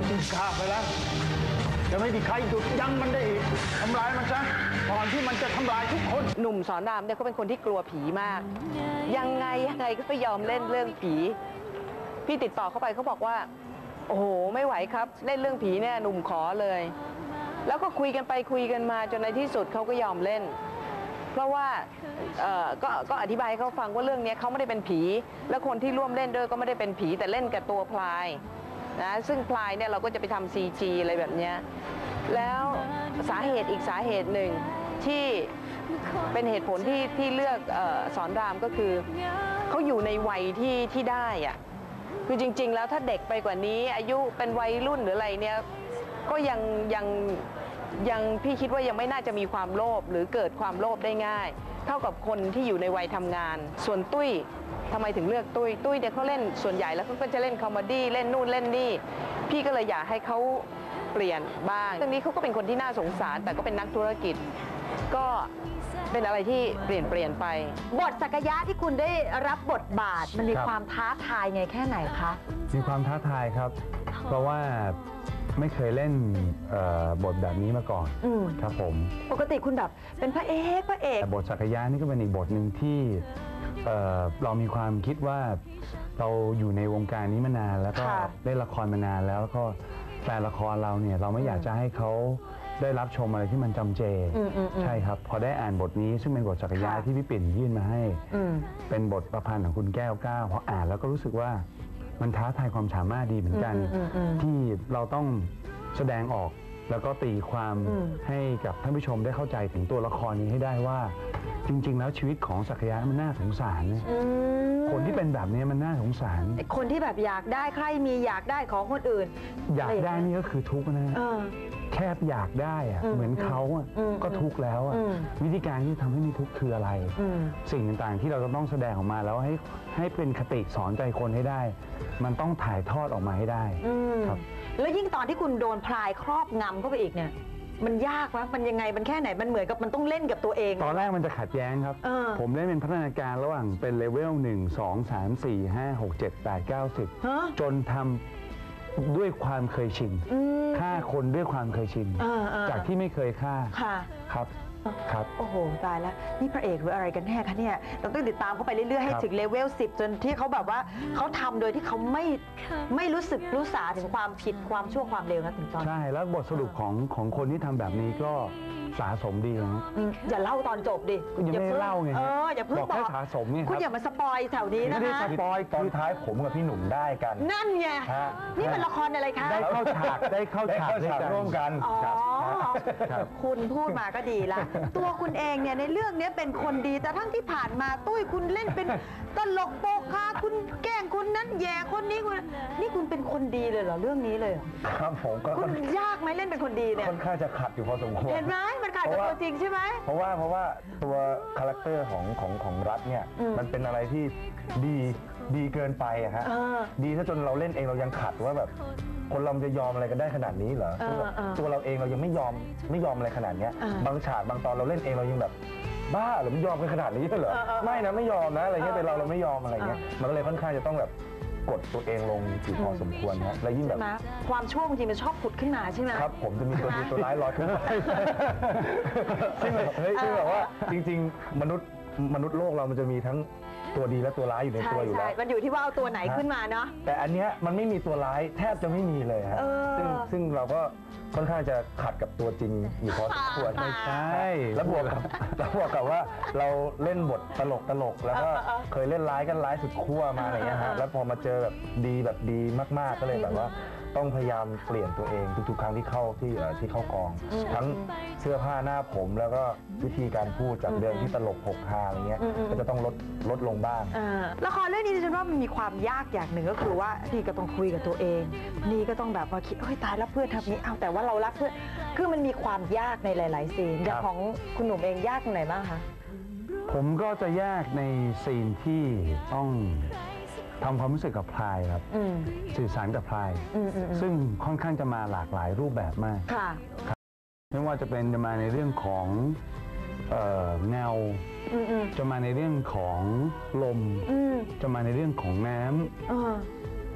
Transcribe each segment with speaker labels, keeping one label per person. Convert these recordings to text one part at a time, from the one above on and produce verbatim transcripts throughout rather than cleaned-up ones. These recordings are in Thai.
Speaker 1: ฆ่าไปแล้วจะไม่มีใครหยุดยั้งมันได้อีกทำลายมันซะก่อนที่มันจะทำลายทุกคน
Speaker 2: หนุ่มสอนรามเนี่ยเขาเป็นคนที่กลัวผีมากยังไงยังไงก็ไม่ยอมเล่นเรื่องผีพี่ติดต่อเข้าไปเขาบอกว่าโอ้โหไม่ไหวครับเล่นเรื่องผีเนี่ยหนุ่มขอเลยแล้วก็คุยกันไปคุยกันมาจนในที่สุดเขาก็ยอมเล่นเพราะว่าเอ่อก็ก็อธิบายให้เขาฟังว่าเรื่องนี้เขาไม่ได้เป็นผีและคนที่ร่วมเล่นด้วยก็ไม่ได้เป็นผีแต่เล่นกับตัวพลายนะซึ่งพลายเนี่ยเราก็จะไปทำซีจีอะไรแบบนี้แล้วสาเหตุอีกสาเหตุหนึ่งที่เป็นเหตุผลที่ที่เลือกเอ่อสอนรามก็คือเขาอยู่ในวัยที่ที่ได้อะคือจริงๆแล้วถ้าเด็กไปกว่านี้อายุเป็นวัยรุ่นหรืออะไรเนี่ยก็ยังยังยังพี่คิดว่ายังไม่น่าจะมีความโลภหรือเกิดความโลภได้ง่ายเท่ากับคนที่อยู่ในวัยทำงานส่วนตุ้ยทำไมถึงเลือกตุ้ยตุ้ยเนี่ยเขาเล่นส่วนใหญ่แล้วเขาก็จะเล่นคอมเมดี้เล่นนู่นเล่นนี่พี่ก็เลยอยากให้เขาเปลี่ยนบ้างเรื่องนี้เขาก็เป็นคนที่น่าสงสารแต่ก็เป็นนักธุรกิจก็เป็นอะไรที่เปลี่ยนเปลี่ยนไป
Speaker 3: บทศักยะที่คุณได้รับบทบาทมันมีความท้าทายไงแค่ไหนคะ
Speaker 4: มีความท้าทายครับเพราะว่าไม่เคยเล่นบทแบบนี้มาก่อนครับผม
Speaker 3: ปกติคุณแบบเป็นพระเอกพระเอก
Speaker 4: แต่บทศักยะนี่ก็เป็นอีกบทหนึ่งที่เเรามีความคิดว่าเราอยู่ในวงการนี้มานานแล้วก็เล่นละครมานานแล้วแล้วก็แฟนละครเราเนี่ยเราไม่อยากจะให้เขาได้รับชมอะไรที่มันจำเจใช่ครับพอได้อ่านบทนี้ซึ่งเป็นบทศักยะที่พี่ปิ่นยื่นมาให้เป็นบทประพันธ์ของคุณแก้วก้าวพออ่านแล้วก็รู้สึกว่ามันท้าทายความสามารถดีเหมือนกันที่เราต้องแสดงออกแล้วก็ตีความให้กับท่านผู้ชมได้เข้าใจถึงตัวละครนี้ให้ได้ว่าจริงๆแล้วชีวิตของศักยะมันน่าสงสารคนที่เป็นแบบนี้มันน่าสงสาร
Speaker 3: คนที่แบบอยากได้ใครมีอยากได้ของคนอื่น
Speaker 4: อยากได้นี่ก็คือทุกข์นะแค่อยากได้อะเหมือนเขาก็ทุกข์แล้ววิธีการที่ทำให้มีทุกข์คืออะไรสิ่งต่างๆที่เราจะต้องแสดงออกมาแล้วให้ให้เป็นคติสอนใจคนให้ได้มันต้องถ่ายทอดออกมาให้ได้ครับ
Speaker 3: แล้วยิ่งตอนที่คุณโดนพลายครอบงำเข้าไปอีกเนี่ยมันยากวะมันยังไงมันแค่ไหนมันเหมือนกับมันต้องเล่นกับตัวเอง
Speaker 4: ตอนแรกมันจะขัดแย้งครับผมได้เป็นพัฒนาการระหว่างเป็นเลเวลหนึ่งสองสามสี่ห้าหกเจ็ดแปดเก้าสิบจนทำด้วยความเคยชินฆ่าคนด้วยความเคยชินจากที่ไม่เคยฆ่าครับครับ
Speaker 3: โอ้โหตายแล้วนี่พระเอกหรืออะไรกันแน่คะเนี่ยเราต้องติดตามเขาไปเรื่อยๆให้ถึงเลเวลสิบจนที่เขาแบบว่าเขาทำโดยที่เขาไม่ไม่รู้สึกรู้สาถึงความผิดความชั่วความเลวนะถึงตอน
Speaker 4: ใช่แล้วบทสรุปของของคนที่ทำแบบนี้ก็สะสมดีนะ
Speaker 3: อย่าเล่าตอนจบดิ
Speaker 4: อย่าไม่เล่าไง
Speaker 3: เอออย่าเพิ่ง
Speaker 4: บอกแค่สะสมเนี่ย
Speaker 3: คุณอย่ามาสปอยแถวนี้นะ
Speaker 4: ไม่ได้สปอยตอนท้ายผมกับพี่หนุ่มได้กัน
Speaker 3: นั่นไงนี่มันละครอะไรคะ
Speaker 4: ได้เข้าฉากได้เข้าฉากร่วมกัน
Speaker 3: อ๋อคุณพูดมาก็ดีละตัวคุณเองเนี่ยในเรื่องนี้เป็นคนดีแต่ทั้งที่ผ่านมาตุ้ยคุณเล่นเป็นตลกโปกฮาคุณแกล้งคนนั้นแย่คนนี้คุณนี่คุณเป็นคนดีเลยเหรอเรื่องนี้เลย
Speaker 4: ครับผมก็
Speaker 3: คุณยากไหมเล่นเป็นคนดีเนี่ย
Speaker 4: ค่อนข้างจะขัดอยู่พอสมควร
Speaker 3: เห็นไหมมันขัดกับตัวจริงใช่ไหม
Speaker 4: เพราะว่าเพราะว่าตัวคาแรคเตอร์ของของของรัฐเนี่ยมันเป็นอะไรที่ดีดีเกินไปอะฮะดีถ้าจนเราเล่นเองเรายังขัดว่าแบบคนเราจะยอมอะไรกันได้ขนาดนี้เหรอตัวเราเองเรายังไม่ยอมไม่ยอมอะไรขนาดนี้บางฉากบางตอนเราเล่นเองเรายังแบบบ้าหรือไม่ยอมกันขนาดนี้เหรอไม่นะไม่ยอมนะอะไรเงี้ยแต่เราเราไม่ยอมอะไรเงี้ยมันก็เลยค่อนข้างจะต้องแบบกดตัวเองลงอยู่พอสมควรนะและยิ่งแบบ
Speaker 3: ความชั่วบางทีมันชอบผุดขึ้นมาใช่ไหม
Speaker 4: ครับผมจะมีตัวดีตัวร้ายลอยขึ้นมาซึ่งแบบเฮ้ยซึ่งแบบว่าจริงๆมนุษย์มนุษย์โลกเรามันจะมีทั้งตัวดีและตัวร้ายอยู่ในตัวอยู่แล้ว
Speaker 3: มันอยู่ที่ว่าเอาตัวไหนขึ้นมาเนาะ
Speaker 4: แต่อันเนี้ยมันไม่มีตัวร้ายแทบจะไม่มีเลยฮะซึ่งซึ่งเราก็ค่อนข้างจะขัดกับตัวจริงอยู่พอสมควรไม่ใช่แล้วบวกกับแล้วบวกกับว่าเราเล่นบทตลกตลกแล้วก็เคยเล่นร้ายกันร้ายสุดขั้วมาอะไรเงี้ยฮะแล้วพอมาเจอแบบดีแบบดีมากๆก็เลยแบบว่าต้องพยายามเปลี่ยนตัวเองทุกๆครั้งที่เข้าที่ที่เข้ากองทั้งเสื้อผ้าหน้าผมแล้วก็วิธีการพูดจากเดิมที่ตลกหกฮาอะไรเงี้ยก็จะต้องลดลดลงบ้าง
Speaker 3: ละครเรื่องนี้ดิฉันว่ามันมีความยากอย่างหนึ่งก็คือว่านี่ก็ต้องคุยกับตัวเองนี่ก็ต้องแบบว่าคิดเฮ้ยตายแล้วเพื่อนทำนี้เอาแต่ว่าเรารักเพื่อนคือมันมีความยากในหลายๆซีนอย่างของคุณหนุ่มเองยากตรงไหนบ้างคะ
Speaker 4: ผมก็จะยากในซีนที่ต้องทำความรู้สึกกับพลายครับสื่อสารกับพลายซึ่งค่อนข้างจะมาหลากหลายรูปแบบมากไม่ว่าจะเป็นจะมาในเรื่องของเงาจะมาในเรื่องของลมจะมาในเรื่องของน้ำ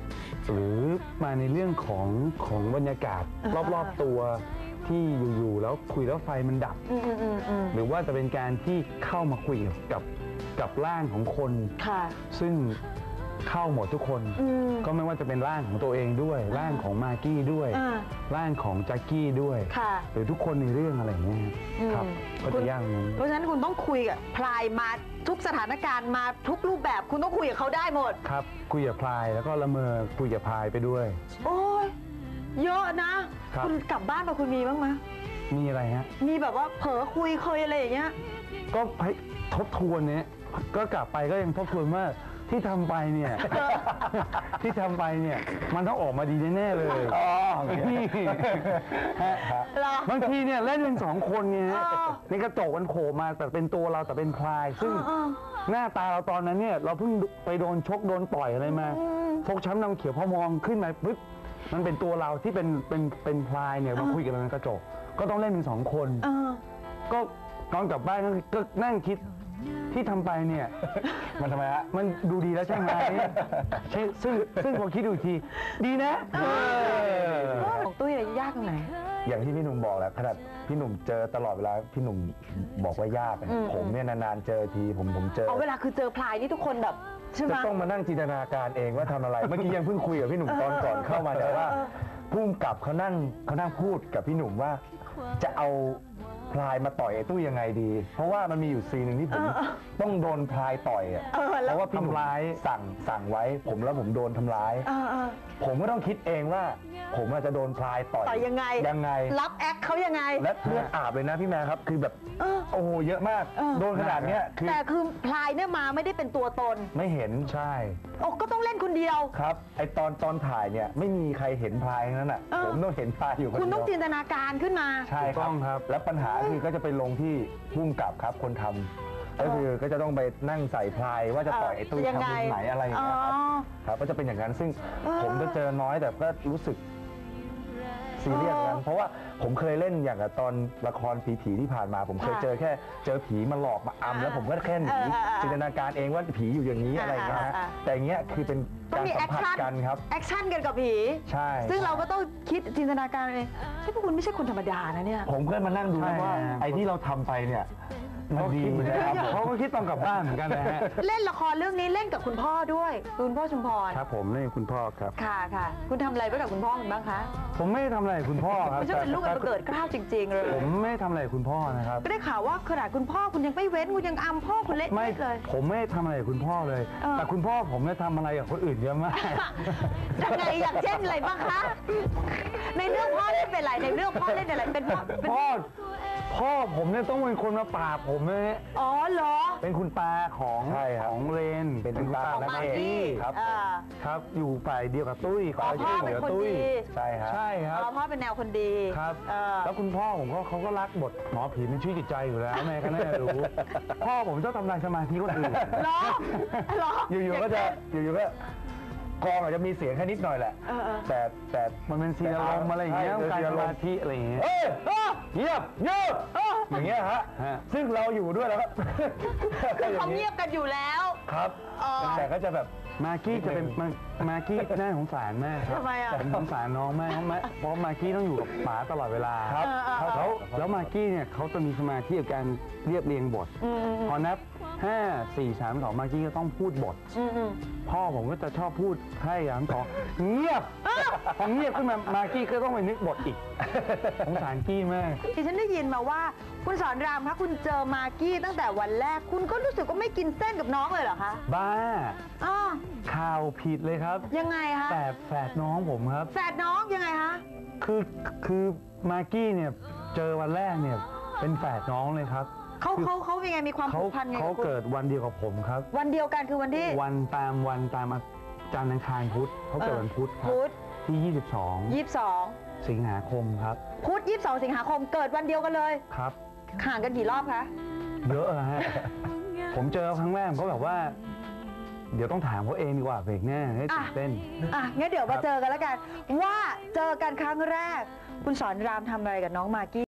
Speaker 4: หรือมาในเรื่องของของบรรยากาศ
Speaker 3: อ่าฮะ
Speaker 4: รอบๆตัวที่อยู่ๆแล้วคุยแล้วไฟมันดับ
Speaker 3: อืมอืมอืมอืม
Speaker 4: หรือว่าจะเป็นการที่เข้ามาคุยกับกับร่างของคน
Speaker 3: ค่ะ
Speaker 4: ซึ่งเข้าหมดทุกคน
Speaker 3: อืม
Speaker 4: ก็ไม่ว่าจะเป็นร่างของตัวเองด้วย ร่างของมากกี้ด้วย
Speaker 3: อ่า
Speaker 4: ร่างของแจ็คกี้ด้วย
Speaker 3: ค่ะ
Speaker 4: หรือทุกคนในเรื่องอะไรอย่างเงี้ย
Speaker 3: อืม
Speaker 4: ครับก็จะยากอย่างนั้น
Speaker 3: เพราะฉะนั้นคุณต้องคุยกับพลายมาทุกสถานการณ์มาทุกรูปแบบคุณต้องคุยกับเขาได้หมด
Speaker 4: ครับคุยกับพลายแล้วก็ละเมอคุยกับพลายไปด้วย
Speaker 3: โอ้ยเยอะนะครับ ณกลับบ้านมาคุณมีบ้างไหม
Speaker 4: มีอะไรฮะ
Speaker 3: มีแบบว่าเผลอคุยเคยอะไรอย่างเงี้ย
Speaker 4: ก็ให้ทบทวนเนี่ยก็กลับไปก็ยังทบทวนว่าที่ทำไปเนี่ย ที่ทำไปเนี่ยมันต้องออกมาดีแน่ๆเลยอ๋อนี่ฮะ
Speaker 3: เหรอ
Speaker 4: บางทีเนี่ยเล่นเป็นสองคนเนี่ยฮะ
Speaker 3: เออ
Speaker 4: ในกระจกมันโผล่มาแต่เป็นตัวเราแต่เป็นพลาย ซึ่ง
Speaker 3: เออ
Speaker 4: หน้าตาเราตอนนั้นเนี่ยเราเพิ่งไปโดนชกโดนต่อยอะไรมา
Speaker 3: อืม
Speaker 4: ฟกช้ำดำเขียวพอมองขึ้นมาปุ๊บมันเป็นตัวเราที่เป็นเป็นเป็นพลายเนี่ยมาคุยกับเราในกระจกก็ต้องเล่นเป็นสองคน
Speaker 3: เออ
Speaker 4: ก็ตอนกลับบ้านก็ก็นั่งคิดที่ทำไปเนี่ย มันทำไมฮะมันดูดีแล้วใช่ไหมใช่ซึ่งซึ่งพอคิดดูอีกที ดีนะเออ
Speaker 3: ของตุ้ยอะไรยากตรงไหน
Speaker 5: อย่างที่พี่หนุ่มบอกแหละขนาดพี่หนุ่มเจอตลอดเวลาพี่หนุ่มบอกว่ายากอะ
Speaker 3: อืม
Speaker 5: ผมเนี่ยนานๆเจอทีผมผมเจอ
Speaker 3: เอาเวลาคือเจอพลายนี่ทุกคนแบบใช่ไหม
Speaker 5: จะต้องมานั่งจินตนาการเองว่าทำอะไร เมื่อกี้ยังเพิ่งคุยกับพี่หนุ่มตอนก่อนเข้ามาแต่ว่าพุ่มกับเขานั่งเขานั่งพูดกับพี่หนุ่มว่า จะเอาพลายมาต่อยไอ้ตุ้ยยังไงดี เพราะว่ามันมีอยู่ซีนหนึ่งที่ผมต้องโดนพลายต่อยอะ
Speaker 3: เออ
Speaker 5: เพ
Speaker 3: แล้ว
Speaker 5: ราะว่าพี่หนุ่ม
Speaker 4: ทำร้าย
Speaker 5: สั่งสั่งไว้ ผมแล้วผมโดนทำร้าย
Speaker 3: เออเออ
Speaker 5: ผมก็ต้องคิดเองว่า ผมอาจจะโดนพลายต่อย
Speaker 3: ต่อยยังไง
Speaker 5: ยังไง
Speaker 3: รับแอคเขายังไง
Speaker 5: และเลือดอาบเลยนะพี่แม่ครับ คือแบบ
Speaker 3: เออ
Speaker 5: โอ้โหเยอะมาก
Speaker 3: เออ
Speaker 5: โดนขนาดเนี้ยคือ
Speaker 3: แต่คือพลายเนี่ยมาไม่ได้เป็นตัวตน
Speaker 5: ไม่เห็น
Speaker 4: ใช่
Speaker 3: โอ้ก็ต้องเล่นคนเดียว
Speaker 5: ครับไอตอนตอนถ่ายเนี่ยไม่มีใครเห็นพลายทั้งนั้นอ่ะ
Speaker 3: เออ
Speaker 5: ผมต้องเห็นพลายอยู่คน
Speaker 3: คุณ
Speaker 5: เดี
Speaker 3: ต้อง
Speaker 5: ยว
Speaker 3: จินตนาการขึ้นมา
Speaker 5: ใช่
Speaker 4: ถูกต้องครับ
Speaker 5: แล้วปัญหาคือก็จะไปลงที่พุ่มกับครับคนทำก็คือก็จะต้องไปนั่งใส่พลายว่าจะต่อยไอ้ตุ้ย
Speaker 3: ยัง
Speaker 5: ทำ
Speaker 3: ไง
Speaker 5: มุมไหนอะไรอย่างเงี้ยครับ
Speaker 3: อ๋อ
Speaker 5: ครับก็จะเป็นอย่างนั้นซึ่ง
Speaker 3: เออ
Speaker 5: ผมจะเจอน้อยแต่ก็รู้สึกซีเรียส
Speaker 3: เออ
Speaker 5: นั้นเพราะว่าผมเคยเล่นอย่างกับตอนละครผีๆที่ผ่านมา ผมเคย
Speaker 3: ค่ะ
Speaker 5: เจอแค่เจอผีมาหลอกมาอำแล้วผมก็แค่หนี
Speaker 3: เออเออเออ
Speaker 5: จินตนาการเองว่าผีอยู่อย่างนี้อะไรอย่างเงี้ยฮะ
Speaker 3: อ่าอ่า
Speaker 5: แต่อย่างเงี้ยคือเป็น
Speaker 3: ต้อง
Speaker 5: การ
Speaker 3: มีแอ
Speaker 5: สัม
Speaker 3: ค
Speaker 5: ผัส
Speaker 3: ชั่น
Speaker 5: กันครับ
Speaker 3: แอคชั่นกันกับผี
Speaker 5: ใช่
Speaker 3: ซึ่งเราก็ต้องคิดจินตนาการเองที่พวกคุณไม่ใช่คนธรรมดานะเนี่ย
Speaker 5: ผมก็มานั่งดู
Speaker 4: ใช่
Speaker 5: นะว่า
Speaker 4: ฮะ
Speaker 5: ไอ้ที่เราทำไปเนี่ยมัน
Speaker 4: เขา
Speaker 5: ดี
Speaker 4: คิดเหมือนกัน
Speaker 5: นะครับ
Speaker 4: เขาก็คิดตอนกลับบ้านเหมือนกันนะฮะ
Speaker 3: เล่นละครเรื่องนี้เล่นกับคุณพ่อด้วย คุณพ่อชุมพร
Speaker 4: ครับผมนี่คุณพ่อครับ
Speaker 3: ค่ะค่ะ คุณทำอะไรไว้กับคุณพ่อคุณบ้างคะ
Speaker 4: ผมไม่ได้ทำอะไรกับคุณพ่อครับ
Speaker 3: ไม่ใช่เป็นลูกกันเกิดเกล้าวจริง ๆ เลย
Speaker 4: ผมไม่ได้ทำอะไรกับคุณพ่อนะครับ
Speaker 3: ก็ได้ข่าวว่าขนาดคุณพ่อคุณยังไม่เว้นคุณยังอำพ่อคุณเละ
Speaker 4: ไม่
Speaker 3: เทะเลย
Speaker 4: ผมไม่ได้ทำอะไรกับคุณพ่อเลย
Speaker 3: เออ
Speaker 4: แต่คุณพ่อผมเนี่ยทำอะไรกับคนอื่นเยอะมาก
Speaker 3: ยังไงอย่างเช่นอะไรบ้างคะ ในเรื่องพ่อเล่นเป็นอะไรในเรื่องพ่อเล่นอะไรเป็นพ่อเป็น
Speaker 4: พ่อพ่อผมเนี่ยต้องเป็นคนมาปราบผมเลย
Speaker 3: อ๋อเหรอ
Speaker 4: เป็นคุณตาของ
Speaker 5: ใช่ครับ
Speaker 4: ของเรน
Speaker 5: เป็นคุณตา
Speaker 3: ของ
Speaker 5: และ
Speaker 3: มาก
Speaker 5: เอก
Speaker 3: กี้
Speaker 5: ครับ
Speaker 3: อ่า
Speaker 4: ครับ อยู่ฝ่ายเดียวกับตุ้ย
Speaker 3: อ๋อ
Speaker 4: คอย
Speaker 3: พ่อ
Speaker 4: ช่วยเห
Speaker 3: เป็
Speaker 4: ลื
Speaker 3: น
Speaker 4: อ
Speaker 3: คน
Speaker 4: ตุ้ย
Speaker 3: ดี
Speaker 5: ใช่ครับ
Speaker 4: ใช่ครับ
Speaker 3: อ๋อพ่อเป็นแนวคนดี
Speaker 4: ครับ
Speaker 3: เออ
Speaker 4: แล้วคุณพ่อผมก็เขาก็รักบทหมอผีเป็นชื่อจิตใจอยู่แล้วแม่ก็น่าจะรู้ พ่อผมชอบทำลายสมาธิคนอื่น
Speaker 3: เหรอเหรอ
Speaker 5: อยู่ๆก็จะอยู่ๆก็กองอาจจะมีเสียงแค่นิดหน่อยแหละ
Speaker 3: เออเออ
Speaker 5: แต่แต่
Speaker 4: มันเป็นซีนอารมณ์อะไรอย่างเงี้ย
Speaker 5: ใช่
Speaker 4: การ
Speaker 5: ซีน
Speaker 4: ส
Speaker 5: อาร
Speaker 4: มาม
Speaker 5: ณ์
Speaker 4: ธิอะไรอย่างเงี้ย
Speaker 5: เอ้ยเอ้ยเงียบเงียบอย่างเงี้ยฮะ
Speaker 4: ฮะ
Speaker 5: ซึ่งเราอยู่ด้วยแล้วครับ
Speaker 3: คือเขาเงียบกันอยู่แล้ว
Speaker 5: ครับ
Speaker 3: อ๋อ
Speaker 5: แต่ก็จะแบบ
Speaker 4: มากกี้จะเป็นมามากี้น่าสงสารมากครับ
Speaker 3: ทำไมอ่ะ
Speaker 4: ผมสงสารน้องมากเพราะมาเพราะมากกี้ต้องอยู่กับหมาตลอดเวลา
Speaker 5: ครับ
Speaker 3: เออเออเออ
Speaker 4: แล้วแล้วมากกี้เนี่ยเขาจะมีสมาธิกับการเรียบเรียงบท
Speaker 3: อืมอืม
Speaker 4: พอนับห้า สี่ สาม สองมากกี้ก็ต้องพูดบท
Speaker 3: อืมอืม
Speaker 4: พ่อผมก็จะชอบพูดให้ยามสองเงียบพอเงียบขึ้นมามากกี้ก็ต้องไปนึกบทอีกสงสารกี้มาก
Speaker 3: ดิฉันได้ยินมาว่าคุณสอนรามคะคุณเจอมากกี้ตั้งแต่วันแรก คุณก็รู้สึกว่าไม่กินเส้นกับน้องเลยเหรอคะ
Speaker 4: บ้า
Speaker 3: อ๋อ
Speaker 4: ข่าวผิดเลยครับ
Speaker 3: ยังไงคะ
Speaker 4: แต่แฝดน้องผมครับ
Speaker 3: แฝดน้องยังไงคะ
Speaker 4: คือคือมากกี้เนี่ยเจอวันแรกเนี่ยเป็นแฝดน้องเลยครับ
Speaker 3: เขา
Speaker 4: คือ
Speaker 3: เขาเขายังไงมีความ
Speaker 4: เขา
Speaker 3: ผูกพันไง
Speaker 4: เขา
Speaker 3: กับคุณ
Speaker 4: เกิดวันเดียวกับผมครับ
Speaker 3: วันเดียวกันคือวันที่
Speaker 4: วันตามวันตามจันทร์อังคารพุธเขาเกิดวันพุธครับ
Speaker 3: พุธ
Speaker 4: ที่
Speaker 3: ยี่สิบสอง
Speaker 4: ยี่สิบสอง สิงหาคมครับ
Speaker 3: พุธยี่สิบสองสิงหาคมเกิดวันเดียวกันเลย
Speaker 4: ครับ
Speaker 3: ห่างกันกี่รอบคะ
Speaker 4: เยอะอะฮะ ผมเจอครั้งแรกผมก็แบบว่า เดี๋ยวต้องถามเขาเองดีกว่าเบรกหน้าให้ตื่นเต้น
Speaker 3: อ่ะงั้นเดี๋ยวมาเจอกันแล้วกัน ว่าเจอกันครั้งแรก คุณสอนรามทำอะไรกับน้องมากกี้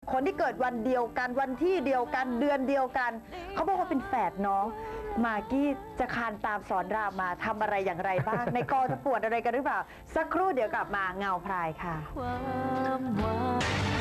Speaker 3: คนที่เกิดวันเดียวกันวันที่เดียวกันเดือนเดียวกันเขาบอกว่าเป็นแฝดน้องมากกี้จะคานตามสอนรามมาทำอะไรอย่างไรบ้าง ในกองจะปวดอะไรกันหรือเปล่า สักครู่เดี๋ยวกลับมาเงาพรายค่ะ
Speaker 6: ความหวัง